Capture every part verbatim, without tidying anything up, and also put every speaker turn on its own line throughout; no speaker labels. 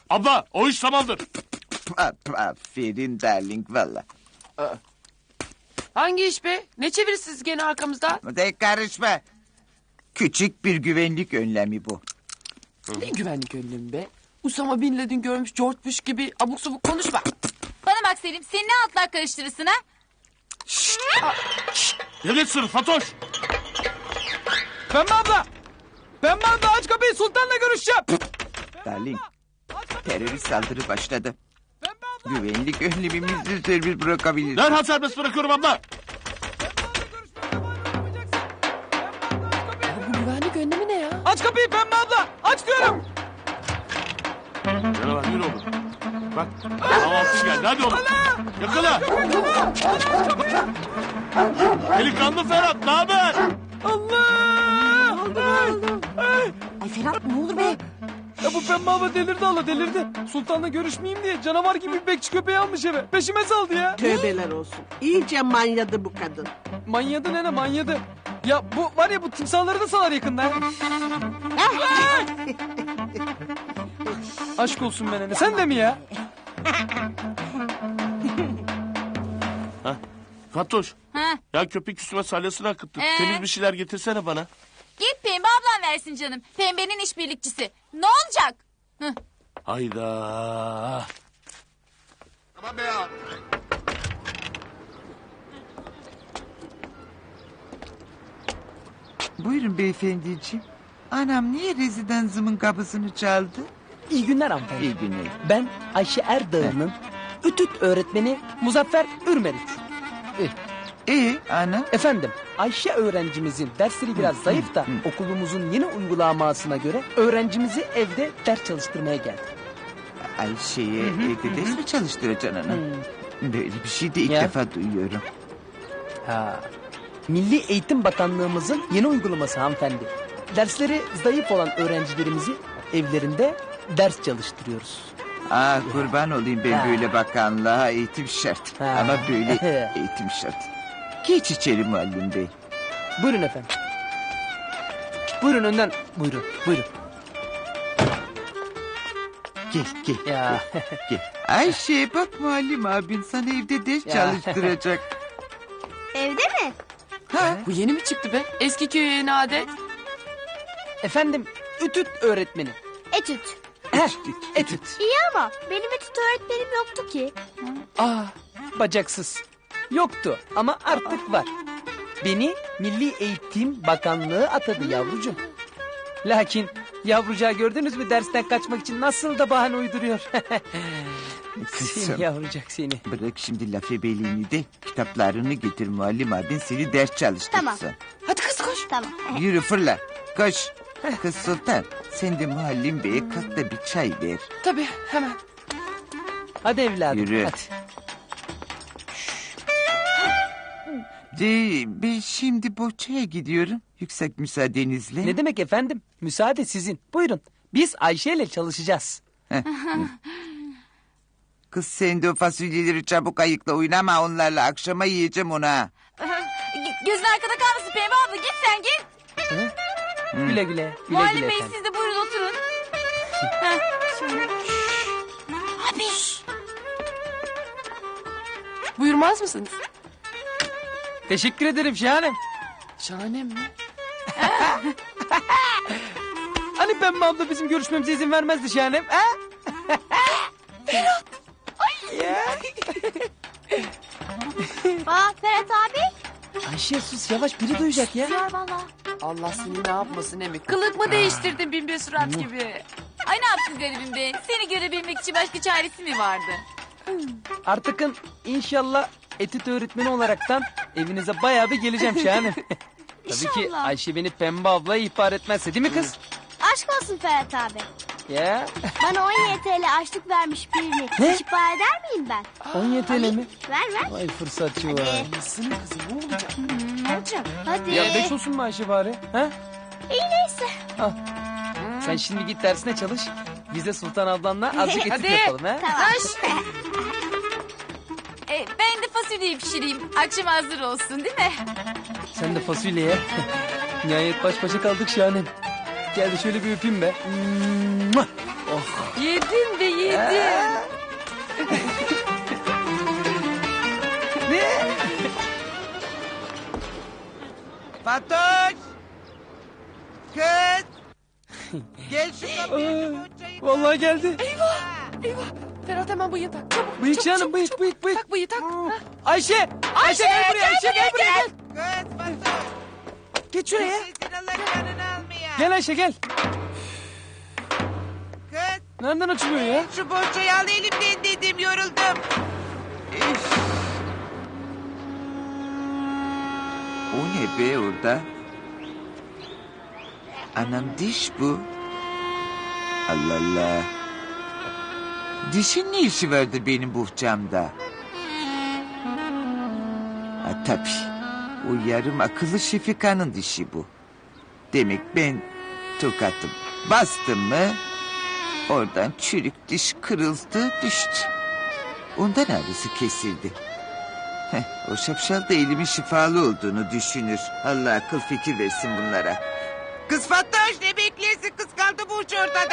Abla o iş tamamdır.
Aferin darling valla.
Hangi iş be? Ne çevirirsiniz gene arkamızda?
De karışma. Küçük bir güvenlik önlemi bu.
Ne güvenlik önlemi be? Usama Bin Laden görmüş George Bush gibi abuk subuk konuşma.
Bana bak Selim, sen ne altlar karıştırırsın ha?
Devlet sırrı Fatoş.
Pembe abla! Pembe abla aç kapıyı, Sultan'la görüşeceğim.
Darling, terörist saldırı başladı. Güvenlik önlemimizi serbest bırakabiliriz.
Derhal serbest bırakıyorum abla.
Ya bu güvenlik önlemi ne ya?
Aç kapıyı Pembe abla, aç diyorum.
Yürü lan yürü oğlum. Bak kahvaltı geldi hadi oğlum. Yakala. Delikanlı Ferhat ne haber?
Allah! Ay,
Ay Ferhat ne olur be.
ya bu Pembe abla delirdi Allah delirdi. Sultan'la görüşmeyeyim diye canavar gibi bir bekçi köpeği almış eve. Peşime saldı ya.
Tövbeler olsun. İyice manyadı bu kadın.
Manyadı nene manyadı. Ya bu var ya bu timsahları da salar yakında. Ay! Aşk olsun be nene. Sen de mi ya?
Fatoş.
Ha?
Ya köpek üstüme salyasını akıttı.
Ee?
Temiz bir şeyler getirsene bana.
Git Pembe ablan versin canım. Pembenin işbirlikçisi. Ne olacak? Hı.
Hayda.
Buyurun beyefendiciğim. Anam niye rezidansımın kapısını çaldı?
İyi günler hanımefendi.
İyi günler.
Ben Ayşe Erdağ'ın ütüt öğretmeni Muzaffer Ürmeriç.
İyi ana.
Efendim, Ayşe öğrencimizin dersleri biraz zayıf da okulumuzun yeni uygulamasına göre öğrencimizi evde ders çalıştırmaya geldim.
Ayşe'ye evde ders mi çalıştıracaksın ana? Böyle bir şey de ilk
Ya.
defa duyuyorum.
Ha. Milli Eğitim Bakanlığımızın yeni uygulaması hanımefendi. Dersleri zayıf olan öğrencilerimizi evlerinde ders çalıştırıyoruz.
Aa kurban olayım ben
Ha.
böyle bakanlığa eğitim şart.
Ha.
Ama böyle eğitim şart. Geç içeri muallim bey.
Buyurun efendim. Buyurun önden. Buyurun, buyurun.
Gel gel.
Ya.
Gel. Ayşe bak muallim abin sana evde ders
Ya.
çalıştıracak.
Evde mi?
Ha?
Bu yeni mi çıktı be? Eski köye yeni adet.
Efendim, ütüt öğretmeni.
Etüt.
Heh, etüt.
İyi ama benim etüt öğretmenim yoktu ki.
Aa, bacaksız. Yoktu ama artık var. Beni Milli Eğitim Bakanlığı atadı yavrucuğum. Lakin yavrucağı gördünüz mü dersten kaçmak için nasıl da bahane uyduruyor.
Kızım.
Seni yavrucak seni.
Bırak şimdi laf ebeliğini de kitaplarını getir muallim abin seni ders çalıştırsın.
Tamam.
Hadi kız koş.
Tamam.
Yürü fırla koş. Kız Sultan sen de muallim beye kalk da bir çay ver.
Tabii hemen.
Hadi evladım.
Yürü.
Hadi.
De, ben şimdi bohçaya gidiyorum. Yüksek müsaadenizle.
Ne demek efendim? Müsaade sizin. Buyurun. Biz Ayşe ile çalışacağız.
Kız sen de o fasulyeleri çabuk ayıkla oynama onlarla akşama yiyeceğim ona.
Gözün arkada kalmasın Pembe abla. Git sen git.
Güle güle. Güle
Muallim
güle
Bey
efendim.
siz de buyurun oturun. Heh, şöyle. Abi.
Buyurmaz mısınız?
Teşekkür ederim Şahanem.
Şahane mi?
Hani Pembe abla bizim görüşmemize izin vermezdi Şahanem? Ha?
Aa Ferhat abi.
Ayşe sus yavaş biri duyacak ya.
Var valla.
Allah seni ne yapmasın emi. Kılık mı değiştirdin bin bir surat gibi?
Ay ne yaptın garibim be? Seni görebilmek için başka çaresi mi vardı?
Artıkın inşallah etüt öğretmeni olaraktan evinize bayağı bir geleceğim Şahanem. Tabii ki
İnşallah.
Ayşe beni Pembe ablaya ihbar etmezse değil mi kız?
Aşk olsun Ferhat abi.
Ya
Bana on yedi TL açlık vermiş birini.
Ne?
Hiç para eder miyim ben?
on yedi TL mi?
Ver ver.
Vay fırsatçı var.
Nasılsın kızım ne olacak?
Ne olacak? Hadi.
Ya beş olsun mu Ayşe bari? Ha?
İyi neyse.
Al. Sen şimdi git dersine çalış. Biz de Sultan ablanla azıcık etüt
Hadi.
yapalım ha.
Taş. e, ben de fasulyeyi pişireyim. Akşam hazır olsun değil mi?
Sen de fasulyeye. Nihayet baş başa kaldık Şahanem. Gel de şöyle bir öpeyim be. Mua!
Yedin be yedin.
Ne?
Fatoş! Kız! Gel şu kapıyı.
Aa, vallahi geldi.
Eyvah. Ferhat hemen bıyığı tak. Çabuk.
Bıyık
çabuk,
canım,
çabuk,
bıyık,
çabuk.
bıyık, bıyık.
Tak bıyığı tak.
Aa,
Ha.
Ayşe! Ayşe gel buraya, Ayşe gel buraya gel.
Kız Fatoş!
Geç şuraya.
Sesin Allah canını almaya.
Gel Ayşe gel.
Kız!
Nereden açılıyor ya?
Şu bohçayı al elimden dedim, yoruldum. Üf. O ne be orada? Anam diş bu. Allah Allah. Dişin ne işi vardı benim bohçamda? Ha tabii. O yarım akıllı Şefika'nın dişi bu. Demek ben tokatım. Bastım mı oradan çürük diş kırıldı düştü. Ondan ağrısı kesildi. Heh, o şapşal da elimin şifalı olduğunu düşünür. Allah akıl fikir versin bunlara. Kız Fatoş ne bekliyorsun, kız kaldı bu uç ortada.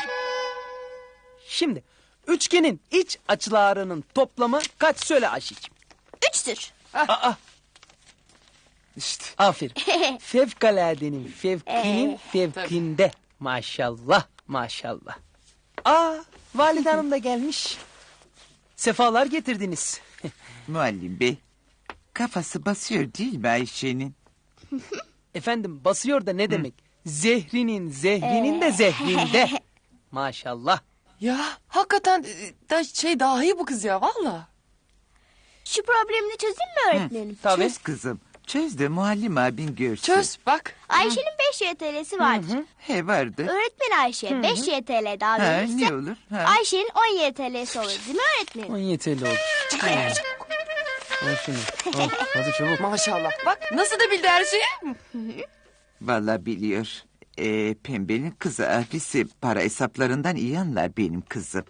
Şimdi üçgenin iç açılarının toplamı kaç söyle Ayşe'ciğim?
Üçtür.
Aa,
İşte
aferin. Fevkaladenin fevkinin fevkinde. Maşallah maşallah. Aa, valide hanım da gelmiş. Sefalar getirdiniz.
muallim bey, kafası basıyor değil mi Ayşe'nin?
Efendim basıyor da ne demek? Zehrinin zehrinin de zehrinde. Maşallah.
Ya hakikaten e, da şey dahi bu kız ya valla.
Şu problemini çözeyim mi öğretmenim?
Tabii.
Çöz kızım, çöz de muallim abin görsün.
Çöz bak.
Ayşe'nin beş Y T L'si vardır.
He vardı.
Öğretmen Ayşe beş Y T L daha
Ha,
verirse
ne olur? Ha.
Ayşe'nin on Y T L'si olur değil mi öğretmenim?
On yeterli oldu. Al şunu. Al, hadi çabuk.
Maşallah. Bak nasıl da bildi her şeyi.
Vallahi biliyor. Ee, Pembe'nin kızı abisi para hesaplarından iyi anlar benim kızım.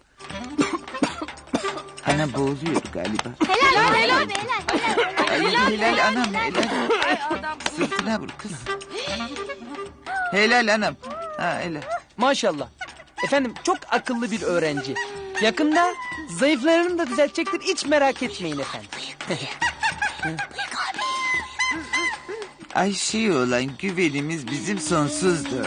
Ana boğuluyor galiba.
Helal helal helal helal.
Ay, helal anam helal. Sırtına vur kız. Helal anam. Ha helal.
Maşallah. Efendim çok akıllı bir öğrenci. Yakında zayıflarını da düzeltecektir. Hiç merak etmeyin efendim.
Ayşe'ye olan güvenimiz bizim sonsuzdur.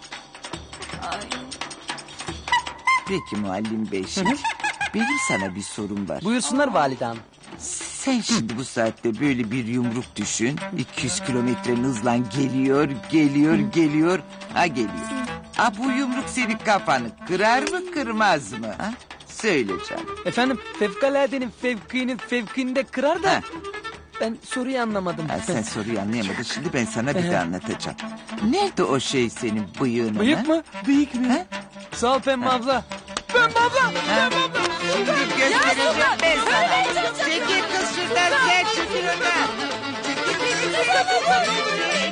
Peki muallim bey şimdi. Benim sana bir sorum var.
Buyursunlar valide hanım.
Sen şimdi bu saatte böyle bir yumruk düşün. iki yüz kilometrenin hızla geliyor, geliyor, geliyor. Ha geliyor. Ha bu yumruk senin kafanı kırar mı kırmaz mı? Ha? Söyle canım.
Efendim fevkaladenin fevkinin fevkinde kırar da
Ha.
ben soruyu anlamadım.
Ha, sen soruyu anlayamadın. Şimdi ben sana bir de anlatacağım. Nerede o şey senin bıyığın?
Bıyık
ha?
mı? Bıyık mı?
Ha?
Sağ ol Pembe abla. Pembe abla.
Ha? Şimdi göstereceğim ben sana. Çekil kız şuradan, sen çekil oradan. Çekil beni.